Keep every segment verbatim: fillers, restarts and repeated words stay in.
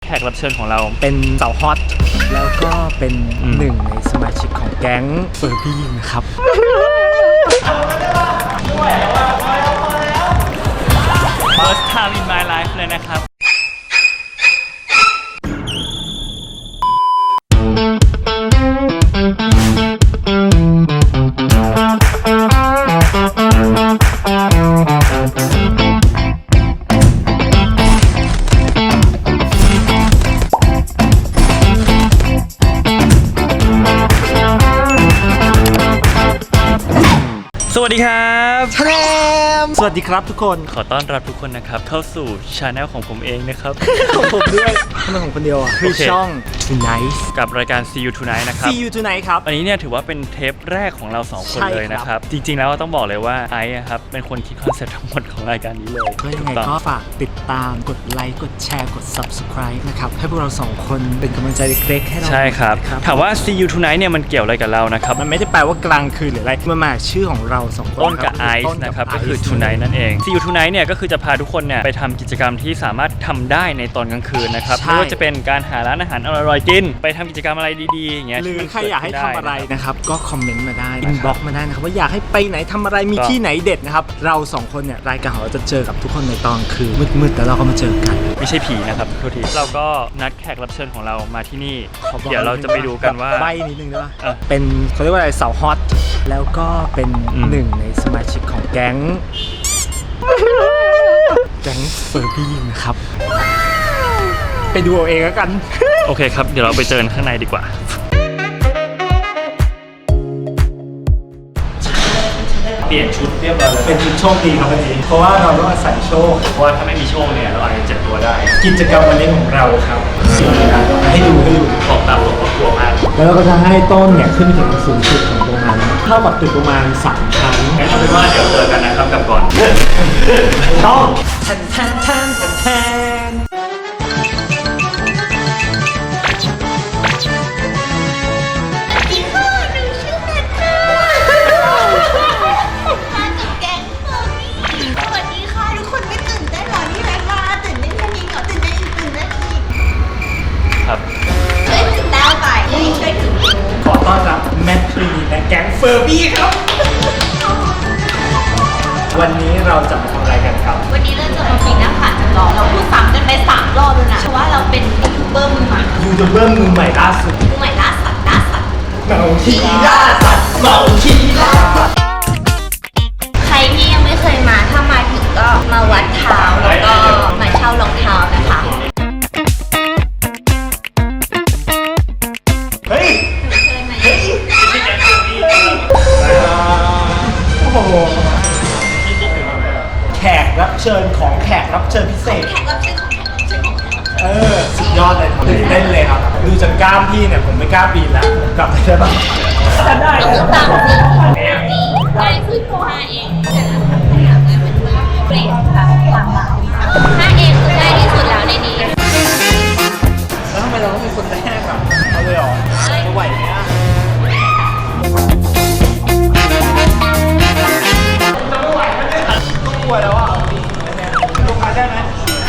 แขกรับเชิญของเราเป็นสาวฮอตแล้วก็เป็นหนึ่งในสมาชิกของแก๊งเฟอร์บี้นะครับ First time in my life เลยนะครับสวัสดีครับแชมสวัสดีครับทุกคนขอต้อนรับทุกคนนะครับเข้าสู่ช anel ของผมเองนะครับของผมด้วยทำไมของคนเดียวอ่ะคือช่อง Tonight กับรายการ See You Tonight นะครับ See You Tonight ครับอันนี้เนี่ยถือว่าเป็นเทปแรกของเราสองคนเลยนะครับจริงๆแล้วต้องบอกเลยว่าไอซ์ครับเป็นคนคิดคอนเซ็ปต์ทั้งหมดของรายการนี้เลยก็ยังไงก็ฝากติดตามกดไลค์กดแชร์กด Subscribe นะครับให้พวกเราสองคนเป็นกำลังใจเล็กๆให้เราใช่ครับถามว่า See You Tonight เนี่ยมันเกี่ยวอะไรกับเรานะครับมันไม่ได้แปลว่ากลางคืนหรืออะไรมันมาชื่อของเราสองคนต้นกับไอซ์นะครับก็คือ Tonight นั่นเอง See You Tonight เนี่ยก็คือจะพาทุกคนเนี่ยไปทำกิจกรรมที่สามารถทำได้ในตอนกลางคืนนะครับไม่ว่าจะเป็นการหาร้านอาหารอร่อยๆกินไปทำกิจกรรมอะไรดีๆอย่างเงี้ยหรือใครอยากให้ทำอะไรนะครับก็คอมเมนต์มาได้อินบ็อกซ์มาได้นะครับว่าอยากให้ไปไหนทำอะไรมีที่ไหนเด็ดนะครับเราสองคนเนี่ยรายการของเราจะเจอกับทุกคนในตอนคืนมืดๆแต่เราก็มาเจอกันไม่ใช่ผีนะครับทุกทีเราก็นัดแขกรับเชิญของเรามาที่นี่เดี๋ยวเราจะไปดูกันว่าใบนิดนึงได้ป่ะเป็นเขาเรียกว่าอะไรสาวฮอตแล้วก็เป็นหนึ่งในสมาชิกของแก๊งแก๊งเฟอร์บี้นะครับไปดูเอาเองแล้วกันโอเคครับเดี๋ยวเราไปเจอข้างในดีกว่าเปลี่ยนชุดเรียบร้อยแล้วเป็นชุดโชคดีครับวันนี้เพราะว่าเราต้องอาศัยโชคเพราะว่าถ้าไม่มีโชคเนี่ยเราอาจจะเจ็บตัวได้กิจกรรมวันนี้ของเราครับให้ดูให้ดูบอกตามบอกว่ากลัวมากแล้วเราก็จะให้ต้นเนี่ยขึ้นไปถึงสูงสุดของตรงนั้นเท่ากับตึกประมาณสามชั้นงั้นเอาเป็นว่าเดี๋ยวเจอกันนะครับกับก่อนต้องแทนแทนแทนแทนขอต้อนรับแมทรีและแก๊งเฟอร์บี้ครับวันนี้เราจะมาทำอะไรกันครับวันนี้เราจะมาปีนหน้าผาจำลองเราพูดซ้ำกันไปสามรอบแล้วนะเพราะว่าเราเป็นยูทูบเบอร์มือใหม่ยูทูบเบอร์มือใหม่ล่าสุดมือใหม่ล่าสัตว์ล่าสัตว์เมาขี้ล่าสัตว์เมาขี้ล่าสัตว์ใครที่ยังไม่เคยมาถ้ามาถึงก็มาวัดเท้าแล้วก็มาเช่ารองเท้านะคะเฮ้ยเฮ้ยโอ้โหแขกรับเชิญของแขกรับเชิญพิเศษแขกรับเชิญของแขกรับเชิญของแขกรับเชิญเออสุดยอดเลยตื่นเต้นเลยครับดูจากกล้ามพี่เนี่ยผมไม่กล้าปีนแล้วผมกลับไปได้ปะได้ต้องตามสิง่ายสุดห้าเองแต่ละครั้งที่อยากได้มันแบบเปลี่ยนแบบหลากหลายห้าเองคือง่ายที่สุดแล้วในนี้แล้วทำไมเราต้องเป็นคนแรกอ่ะเอาเลยเหรอจะไหวไหมอ่ะจะไม่ไหวแล้วเนี่ยต้องกลัวแล้วอ่ะลงมาได้ไหม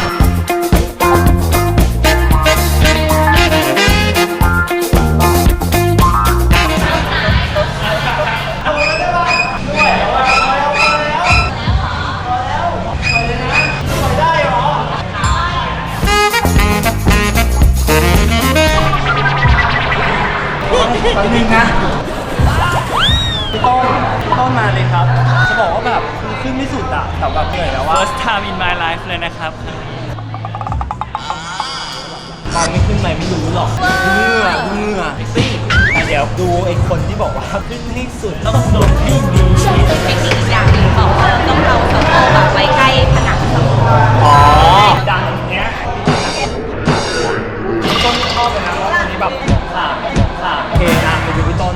แป๊บนึงนะพี่ต้นพี่ต้นมาเลยครับจะบอกว่าแบบขึ้นไม่สุดอะแต่แบบเหนื่อยแล้วว่า First time in my life เลยนะครับตอนไม่ขึ้นไปไม่รู้หรอกเหนื่อยเหนื่อยแต่เดี๋ยวดูไอ้คนที่บอกว่าขึ้นให้สุดต้องลงให้ดีเทคนิคอย่างหนึ่งบอกว่าเราต้องเอาสะโพกแบบไว้ใกล้ผนังสะโพกอ๋อดังอย่างเงี้ยต้นชอบเลยนะเพราะวันนี้แบบขาดขาดโอเคนะไปดูพี่ต้น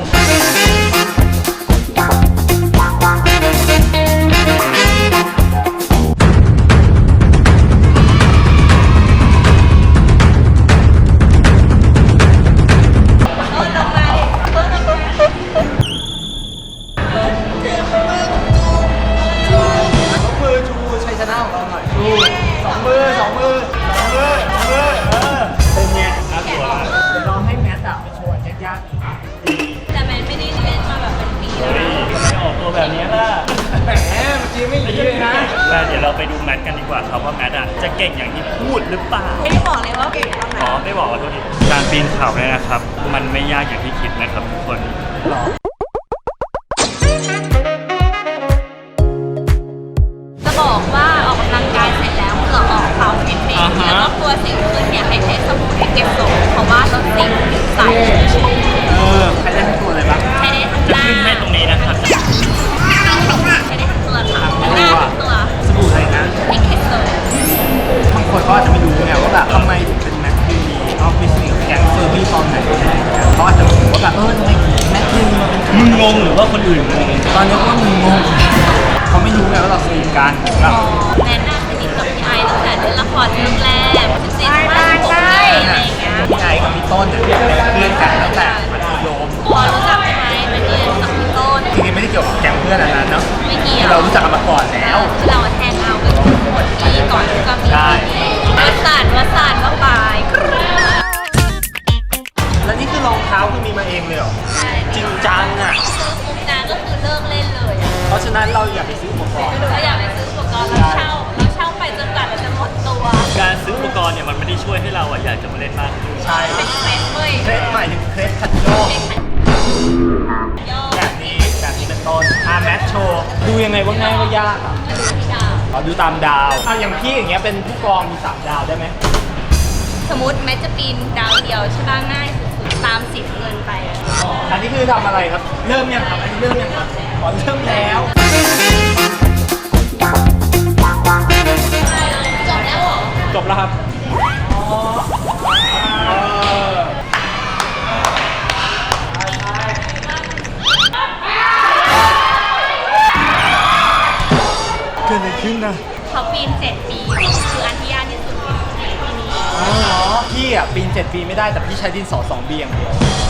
สองมือเก่งอย่างที่พูดหรือเปล่าไม่ได้บอกเลยว่าเก่งตรงไหนอ๋อไม่บอกขอโทษทีการปีนเขาเนี่ยนะครับ มันไม่ยากอย่างที่คิดนะครับทุกคนจะบอกว่าออกกำลังกายเสร็จแล้วเหงื่อออกขาวเห็นไหมอ่าฮะแล้วก็ตัวสิวขึ้นเนี่ยให้ใช้สบู่ให้เก็บทรงเพราะว่าลดสิวผิวใสเออใครได้ทั้งตัวเลยปะใช้ได้ทั้งจะหน้าขึ้นให้ตรงนี้นะครับใช้ได้ทั้งตัวค่ะทั้งหน้าทั้งตัวสบู่อะไรนะให้เก็บทรงบางคนก็อาจจะไม่รู้ไงว่าแบบทำไมถึงเป็นแมคคินีออฟฟิศกับแก๊งเฟอร์บี้ตอนไหนอะไรอย่างเงี้ยเขาอาจจะงงว่าแบบเออทำไมแมคคินีมาเป็นมึงงงหรือว่าคนอื่นงงตอนนี้ว่ามึงงงเขาไม่รู้ไงว่าเราสนิทกันแบบแนนน่าสนิทกับพี่ไอตั้งแต่เล่นละครเรื่องแรกสิบสี่สิบห้าสิบหกปีอะไรอย่างเงี้ยพี่ไอกับพี่ต้นเนี่ยเป็นเพื่อนกันตั้งแต่มัธยมพอรู้จักพี่ไอมันเรียนกับพี่ต้นจริงๆไม่ได้เกี่ยวกับแก๊งเพื่อนอันนั้นเนาะไม่เกี่ยวเรารู้จักกันมาก่อนแล้วเราแทงเอากันทุกคนที่ก่อนที่จะมีใช่วัสานวัสานก็ไปแล้วนี่คือรองเท้าคือมีมาเองเลยเหรอจริงจังอ่ะซื้อปุ๊บนะก็คือเลิกเล่นเลยอะเพราะฉะนั้นเราอย่าไปซื้ออุปกรณ์เราอยากไปซื้ออุปกรณ์เราเช่าเราเช่าไปจนกว่าเราจะหมดตัวการซื้ออุปกรณ์เนี่ยมันไม่ได้ช่วยให้เราอะอยากจะมาเล่นมากขึ้นใช่เป็นเทรนด์เว้ยเครสหมายถึงเครสคันโยกย่อแบบนี้แบบนี้เป็นต้นอาแมทโชว์ดูยังไงว่าง่ายว่ายากอ่ะที่ดาวอ๋อดูตามดาวอ่ะอย่างพี่อย่างเงี้ยเป็นผู้กองมีสามดาวได้ไหมสมมติแม้จะปีนดาวเดียวใช่ป่ะง่ายสุดๆตามสีเงินไปอะอันนี้คือทำอะไรครับ เริ่มยังครับอันนี้เริ่มยังครับอ๋อเริ่มแล้วจบแล้วเหรอจบแล้วครับเออเกิดอะไรขึ้นนะเขาปีนเจ็ดปีคืออันที่ยากที่สุดในปีนี้อ๋อพี่อ่ะปีนเจ็ดปีไม่ได้แต่พี่ใช้ดินสอสองบีอย่างเดียว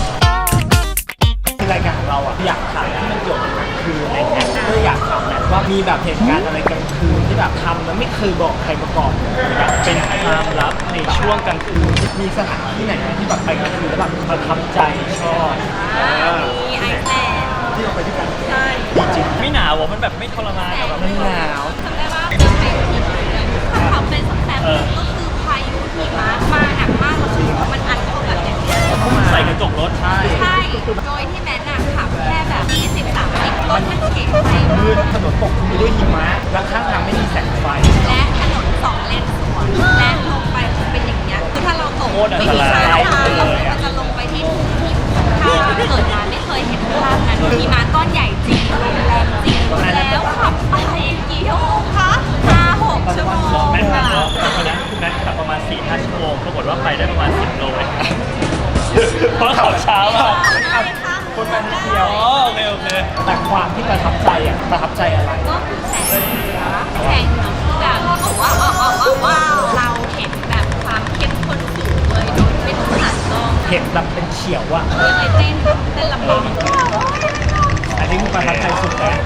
คือรายการของเราอ่ะอยากถามที่มันเกี่ยวกับกลางคืนอะไรเงี้ยก็อยากถามแหละว่ามีแบบเหตุการณ์อะไรกลางคืนที่แบบทำแล้วไม่เคยบอกใครมาก่อนเลยแบบเป็นความลับในช่วงกลางคืนมีสถานที่ไหนไหมที่แบบไปกลางคืนแล้วแบบประทับใจชอบอ่ามีไอซ์แลนด์ที่เราไปด้วยกันใช่จริงไม่หนาวอะมันแบบไม่ทรมานอะแบบไม่หนาวจำได้ว่าจะไปที่ไหนถ้าเขาเป็นสักแป๊บนึงก็คือพายุหิมะมาหนักมากแล้วคือมันอัดเข้าแบบอย่างเงี้ยใส่กระจกรถใช่ใช่ โดยที่แมนน่ะขับแค่แบบยี่สิบ สามสิบรถมันเข็นไปมืดถนนปกคลุมไปด้วยหิมะและข้างทางไม่มีแสงไฟและถนนสองเลนสวนและลงไปคือเป็นอย่างเงี้ยคือถ้าเราตกโคตรอันตรายใช่เลยอะมันจะลงไปที่ทุ่งที่ถ้าเกิดมาไม่เคยเห็นภาพนั้นมีมาก้อนใหญ่จริงลมแรงจริงแล้วขับไปกี่ชั่วโมงคะห้าหกชั่วโมงแม็กซ์ขัค่ะบรถตอนนั้นแม็กซ์ขับประมาณสี่ห้าชั่วโมงปรากฏว่าไปได้ประมาณสิบโลเองเพราะขับช้ามากคนมันเที่ยวอ๋อโอเคโอเคแต่ความที่ประทับใจอ่ะประทับใจอะไรก็คือแสงเหนือแสงเหนือคือแบบบอกว่าว้าวว้าวว้าวว้าวเราเห็นแบบความเข้มข้นสูงเลยโดยไม่ต้องผ่านกล้องเห็นแบบเป็นเขียวอ่ะเลยไปเต้นเต้นลำบากอันนี้คือประทับใจสุดแล้ว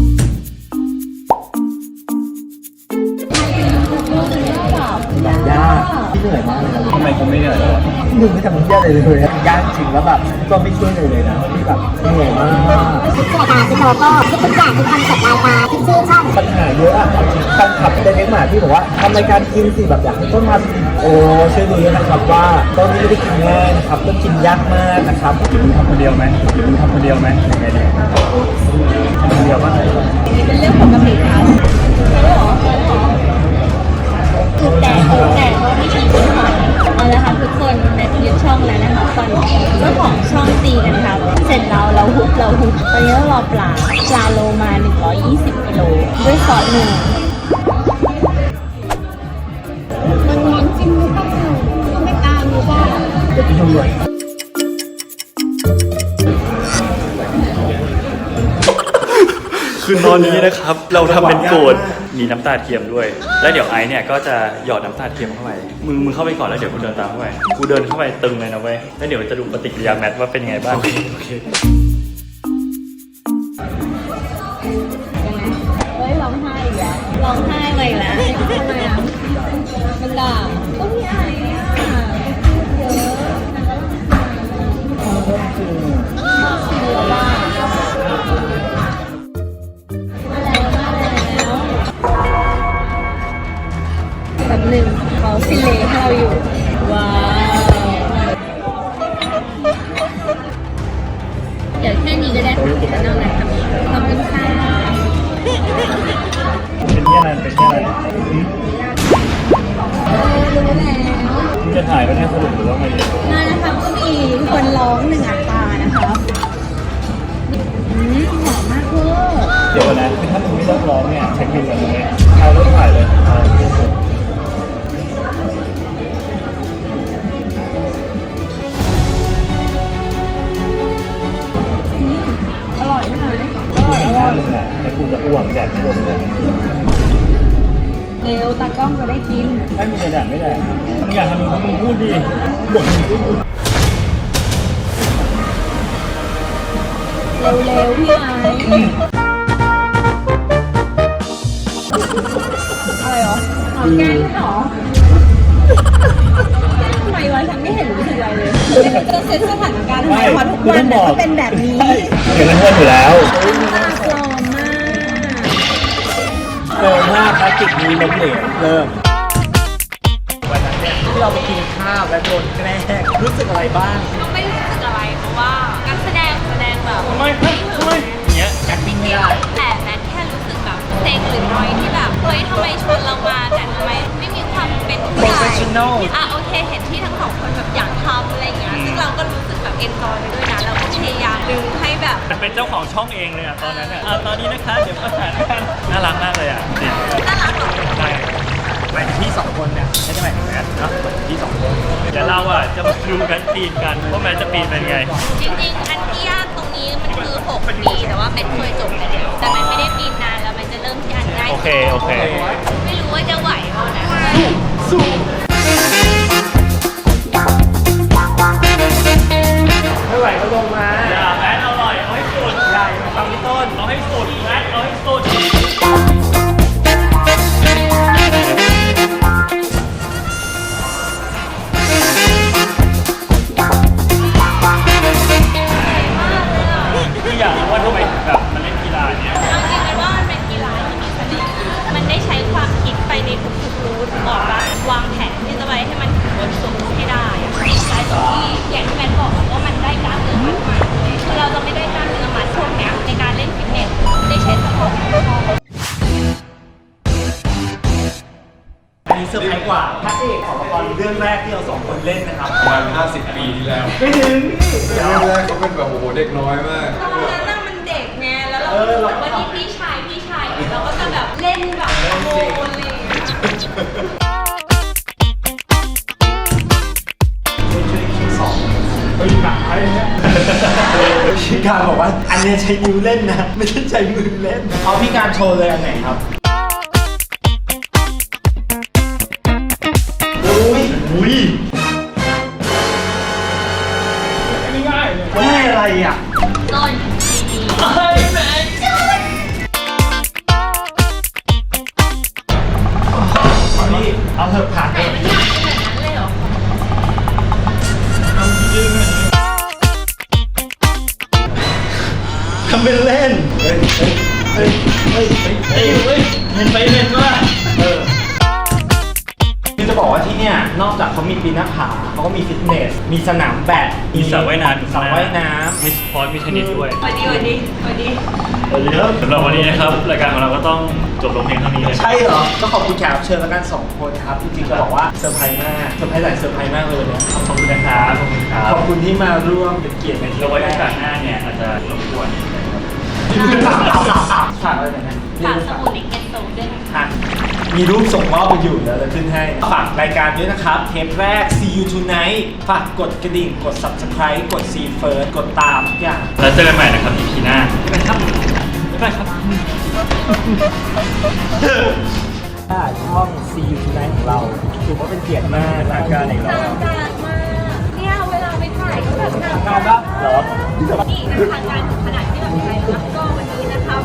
ยากที่เหนื่อยมากเลยนะทำไมคุณไม่เหนื่อยหนึ่งไม่ทำมันยากเลยเลยอะยากจริงแล้วแบบก็ไม่ช่วยเลยเลยนะที่แบบเหนื่อยมากคิดรายการคิดโลโก้คิดทุกอย่างคือคอนเซ็ปต์รายการคิดชื่อช่องปัญหาเยอะอะแฟนคลับในเลี้ยงหมาที่บอกว่าทำรายการกินสิแบบอยากให้ต้นมาโอ้ช่วยดูด้วยนะครับว่าต้นนี้ไม่ได้กินง่ายนะครับต้นกินยากมากนะครับมึงทำคนเดียวไหมมึงทำคนเดียวไหมยังไงดีทำคนเดียวบ้างเป็นเรื่องปกติครับคือแต่แต่ก็ไม่ใช่ทุกคนเอาละครับทุกคนในยึดช่องแล้วนะครับตอนนี้เจ้าของช่องตีกันครับ เสร็จแล้วเราฮุบเราฮุบตอนนี้เรารอปลาปลาโลมาหนึ่งร้อยยี่สิบกิโลด้วยซอสหนึ่งมันร้อนจริงหรือเปล่าไม่กล้ารู้ว่าจะกินทั้งหมดคือตอนนี้นะครับ เราทำเป็นโกรธมีน้ำตาเทียมด้วย แล้วเดี๋ยวไอซ์เนี่ยก็จะหยอดน้ำตาเทียมเข้าไปมึงมึงเข้าไปก่อนแล้วเดี๋ยวกูเดินตามเข้าไปกูเดินเข้าไปตึงเลยนะเว้ยแล้วเดี๋ยวจะดูปฏิกิริยาแมทว่าเป็นยังไงบ้างโอเคโอเคเฮ้ยร้องไห้อีกแล้วร้องไห้ไปอีกแล้วทำไมอ่ะมันด่าก็พี่ไอ้อ่ะเยอะเยอะมากมาแล้วมาแล้วแบบหนึ่งสรุปหรือว่าไงงานนะคะก็มีคนร้องหนึ่งอัตรานะคะอืมหอมมากเวอร์เดี๋ยวนะคือถ้ามึงไม่เลิกร้องเนี่ยเช็คบินกันตรงนี้เอาเริ่มถ่ายเลยเอาเริ่มถ่ายอร่อยไหมอีกหน้าหนึ่งอ่ะไอ้กูจะอ้วกแดดไม่โดนเลยเร็วตากล้องจะได้กินถ้ามึงจะแดดไม่แดดมึงอยากทำมึงก็มึงพูดดิบ่นมึงพูดเร็วๆพี่ไอ้อะไรเหรอหอมแก้มเหรอทำไมวะฉันไม่เห็นรู้สึกอะไรเลยจะเซตสถานการณ์ทำไมวะทุกวันมันก็เป็นแบบนี้เดี๋ยวมันอ้วนอยู่แล้วมากปลอมมากเร็วมากภารกิจนี้ล้มเหลวเริ่มวันนั้นเนี่ยที่เราไปกินข้าวและโดนแกล้งรู้สึกอะไรบ้างก็ไม่รู้สึกอะไรเพราะว่าการแสดงแสดงแบบทำไมทำไมอย่างเงี้ยแอคติ้งไม่ได้แต่แมทแค่รู้สึกแบบเซ็งหรือน้อยที่แบบเฮ้ยทำไมชวนเรามาแต่ทำไมไม่มีความเป็นผู้ใหญ่ Professional อ่ะโอเคเห็นที่ทั้งสองคนแบบอยากทำอะไรอย่างเงี้ยซึ่งเราก็รู้สึกแบบเอนจอยไปด้วยนะเราก็พยายามดึงให้แบบเป็นเจ้าของช่องเองเลยอ่ะตอนนั้นอ่ะอ่ะตอนนี้นะคะเดี๋ยวประสานกันน่ารักมากเลยอ่ะจริงน่ารักหรอใช่หมายถึงพี่สองคนเนี่ยไม่ใช่หมายถึงแมทนะหมายถึงพี่สองคนเดี๋ยวเราอ่ะจะมาดูกันปีนกันว่าแมนจะปีนเป็นไงจริงๆอันที่ยากตรงนี้มันคือหกปีแต่ว่าแมทเคยจบไปแล้วแต่แมทไม่ได้ปีนนานแล้วมันจะเริ่มที่อันง่ายโอเคโอเคไม่รู้ว่าจะไหวเปล่านะไม่ไหวก็ลงมาอย่าแมนอร่อยเอาให้สุดใหญ่ฟังพี่ต้นเอาให้สุดแมนเอาให้สุด คืออยากรู้ว่าทำไมถึงแบบมันเล่นกีฬาเนี้ยเอาจริงๆมันว่ามันเป็นกีฬาที่มีเสน่ห์มันได้ใช้ความคิดไปในทุกๆรูทบอกว่าวางแผนที่จะไปให้มันถึงบนสุดให้ได้อะได้ตรงที่อย่างที่แมทบอกอะว่ามันได้กล้ามเนื้อมัดมาคือเราจะไม่ได้กล้ามเนื้อมัดช่วงเนี้ยในการเล่นฟิตเนสได้ใช้สมองของเราอันนี้เซอร์ไพรส์กว่าพระเอกของละครเรื่องแรกที่เราสองคนเล่นนะครับประมาณห้าสิบปีที่แล้วไม่ถึงพี่เดี๋ยวเรื่องแรกเขาเป็นแบบโอ้โหเด็กน้อยมากตอนนั้นน่ะมันเด็กไงแล้วเรารู้สึกว่านี่พี่ชายพี่ชายเราก็จะแบบเล่นแบบโมนเลยไปอยู่หนังอะไรเนี่ยพี่การบอกว่าอันเนี้ยใช้นิ้วเล่นนะ ไม่ใช่ใช้มือเล่น เอาพี่การโชว์เลยอันไหนครับอุ้ยอุ้ยง่ายเลยง่ายอะไรอ่ะต้นดีเฮ้ยแมนพี่เอาเถอะผ่านๆเลแต่ยมันยากขนาดนั้นเลยเหรอทำเป็นเล่น เฮ้ย เฮ้ย เฮ้ย เฮ้ย เฮ้ยเห็นไปเห็นว่าเออคือจะบอกว่าที่เนี่ยนอกจากเขามีปีนหน้าผาเขาก็มีฟิตเนส มีสนามแบดมีสระว่ายน้ำสระว่ายน้มีสปอร์ตมีเทนนิสด้วยสวัสดีสวัสดีสวัสดีำเยอะสำหรับวันนี้นะครับรายการของเราก็ต้องจบลงเพียงเท่านี้เลยใช่เหรอ ก็ขอบคุณแขกรับเชิญแล้วกันสองคนครับ จริงๆจะบอกว่าเซอร์ไพรส์มากเซอร์ไพรส์หลายเซอร์ไพรส์มากเลยเนี่ยขอบคุณนะครับขอบคุณครับขอบคุณที่มาร่วมเป็นเกียรติในที่เราไว้โอกาสหน้าเนี่ยอาจจะรบกวนฝากอะไรหน่อยนะฝากสบู่ในเก็ตโซด้วยนะคะอ่ะมีรูปส่งมอบไปอยู่แล้วจะขึ้นให้ ฝากรายการด้วยนะครับ เทปแรก See You Tonight ฝากกดกระดิ่ง กด Subscribe กด See First กดตามทุกอย่างแล้วเจอกันใหม่นะครับ อี พี หน้าบ๊ายบายครับบ๊ายบายครับถ้าช่อง See You Tonight ของเราถือว่าเป็นเกียรติมากรายการอีกแล้วทางการมากเนี่ยเวลาไปถ่ายก็แบบทางงาการนละเหรอนี่ทางการถึงขนาดที่แบบใครรับก็วันนี้นะครับ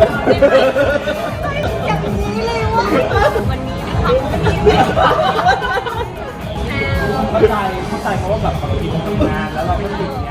อย่างนี้เลยว่ะวันนี้นะครับวันนี้นะครับเข้าใจเข้าใจเพราะว่าแบบบางทีมันทำงานแล้วเราก็ติดง